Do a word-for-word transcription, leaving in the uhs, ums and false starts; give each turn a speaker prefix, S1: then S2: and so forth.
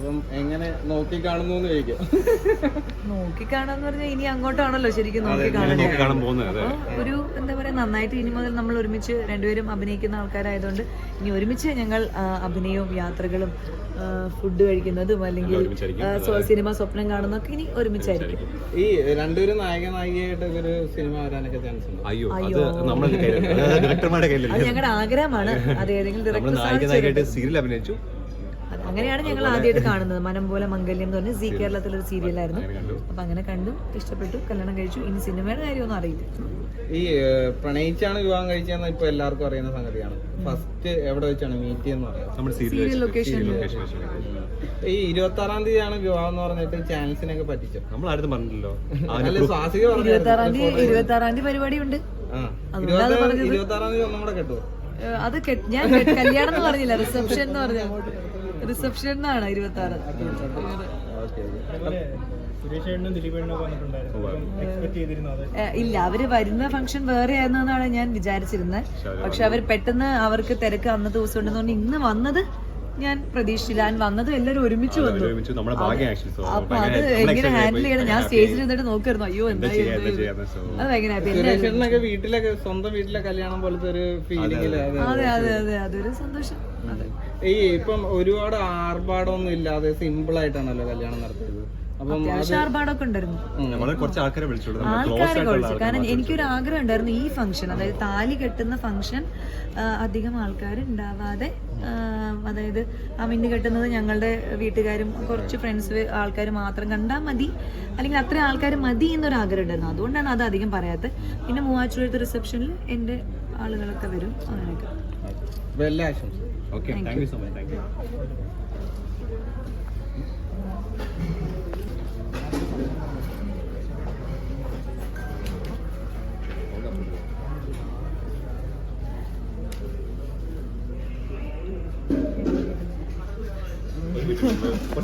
S1: അപ്പം എങ്ങനെ നോക്കി കാണുന്നു എന്ന് ചോദിക്കാം.
S2: നോക്കി കാണാന്ന് പറഞ്ഞാൽ ഇനി അങ്ങോട്ടാണല്ലോ ശരിക്കും നോക്കി കാണുന്നത്. അപ്പൊ ഒരു എന്താ പറയാ, നന്നായിട്ട് ഇനി മുതൽ നമ്മൾ ഒരുമിച്ച് രണ്ടുപേരും അഭിനയിക്കുന്ന ആൾക്കാരായതുകൊണ്ട് ഇനി ഒരുമിച്ച് ഞങ്ങൾ അഭിനയവും യാത്രകളും ഫുഡ് കഴിക്കുന്നതും അല്ലെങ്കിൽ സിനിമ സ്വപ്നം കാണുന്നതൊക്കെ ഇനി ഒരുമിച്ചായിരിക്കും.
S1: ഈ രണ്ടുപേരും നായക നായികയായിട്ട് ഒരു സിനിമ വരാനൊക്കെ ചാൻസ് ഉണ്ട്.
S2: അയ്യോ, അത് ഞങ്ങളുടെ ആഗ്രഹമാണ്. അത് ഏതെങ്കിലും ഡയറക്ടർ, അങ്ങനെയാണ് ഞങ്ങൾ ആദ്യമായിട്ട് കാണുന്നത്. മനം പോലെ മംഗല്യം എന്ന് പറഞ്ഞ സി കേരളത്തിലൊരു സീരിയലായിരുന്നു. അപ്പൊ അങ്ങനെ കണ്ടു, ഇഷ്ടപ്പെട്ടു, കല്യാണം കഴിച്ചു. ഇനി സിനിമയുടെ കാര്യമൊന്നും അറിയില്ല.
S1: ഈ പ്രണയിച്ചാണ് വിവാഹം കഴിച്ചതെന്ന് ഇപ്പൊ എല്ലാവർക്കും അറിയുന്ന സംഗതിയാണ്. ഫസ്റ്റ് എവിടെ വെച്ചാണ് മീറ്റ് എന്ന് പറയുന്നത്?
S2: സീരിയൽ ലൊക്കേഷനിൽ.
S1: ഈ ഇരുപത്തി ആറാം തീയതിയാണ് വിവാഹം എന്ന് പറഞ്ഞിട്ട് ചാൻസിനൊക്കെ പറ്റിച്ചോ?
S3: നമ്മൾ ആരും പറഞ്ഞില്ലല്ലോ.
S1: സ്വാസിക
S2: ഇരുപത്തി ആറാം തീയതി ഇരുപത്തി ആറാം തീയതി പരിപാടി ഉണ്ട്.
S1: ഇരുപത്തി ആറാം തീയതി ഒന്നും കൂടെ കേട്ടോ.
S2: അത് ഞാൻ കല്യാണം എന്ന് പറഞ്ഞില്ല, റിസപ്ഷൻ എന്ന് പറഞ്ഞ റിസപ്ഷൻ എന്നാണ് ഇരുപത്തി ആറ്. ഇല്ല, അവര് വരുന്ന ഫംഗ്ഷൻ വേറെ ആയിരുന്നെന്നാണ് ഞാൻ വിചാരിച്ചിരുന്നത്. പക്ഷെ അവർ പെട്ടെന്ന് അവർക്ക് തിരക്ക് അന്നത്തെ ദിവസം ഉണ്ടെന്ന് പറഞ്ഞ് ഇന്ന് വന്നത് ഞാൻ പ്രതീക്ഷിച്ചില്ല. ഞാൻ വന്നതും എല്ലാവരും ഒരുമിച്ച് വന്നു. അപ്പൊ അത് എങ്ങനെ ഹാൻഡിൽ ചെയ്യണം, ഞാൻ സ്റ്റേജിൽ നിന്നിട്ട് നോക്കിയിരുന്നു. അയ്യോ എന്തായി, അത് ഭയങ്കര
S1: വീട്ടിലൊക്കെ സ്വന്തം വീട്ടിലെ കല്യാണം പോലത്തെ ഒരു ഫീലിംഗ്.
S2: അതെ അതെ അതെ അതൊരു സന്തോഷം.
S1: ഈ ഇപ്പം ഒരുപാട് ആർഭാടമൊന്നും ഇല്ലാതെ സിമ്പിൾ ആയിട്ടാണല്ലോ കല്യാണം നടത്തിയത്.
S2: അത്യാവശ്യം ആർഭാടമൊക്കെ ഉണ്ടായിരുന്നു.
S3: ആൾക്കാരെ വിളിച്ചു.
S2: കാരണം എനിക്കൊരു ആഗ്രഹം ഉണ്ടായിരുന്നു ഈ ഫംഗ്ഷൻ, അതായത് താലി കെട്ടുന്ന ഫംഗ്ഷൻ അധികം ആൾക്കാർ ഉണ്ടാവാതെ, അതായത് ആ മിന്നു കെട്ടുന്നത് ഞങ്ങളുടെ വീട്ടുകാരും കുറച്ച് ഫ്രണ്ട്സ് ആൾക്കാർ മാത്രം കണ്ടാൽ മതി, അല്ലെങ്കിൽ അത്രയും ആൾക്കാർ മതി എന്നൊരു ആഗ്രഹം ഉണ്ടായിരുന്നു. അതുകൊണ്ടാണ് അത് അധികം പറയാത്തത്. പിന്നെ മൂവാറ്റുപുഴത്തെ റിസപ്ഷനിൽ എൻ്റെ ആളുകളൊക്കെ വരും. അങ്ങനെയൊക്കെ.
S1: എല്ലാ ആശംസ.
S3: Okay, thank you so much. Thank U.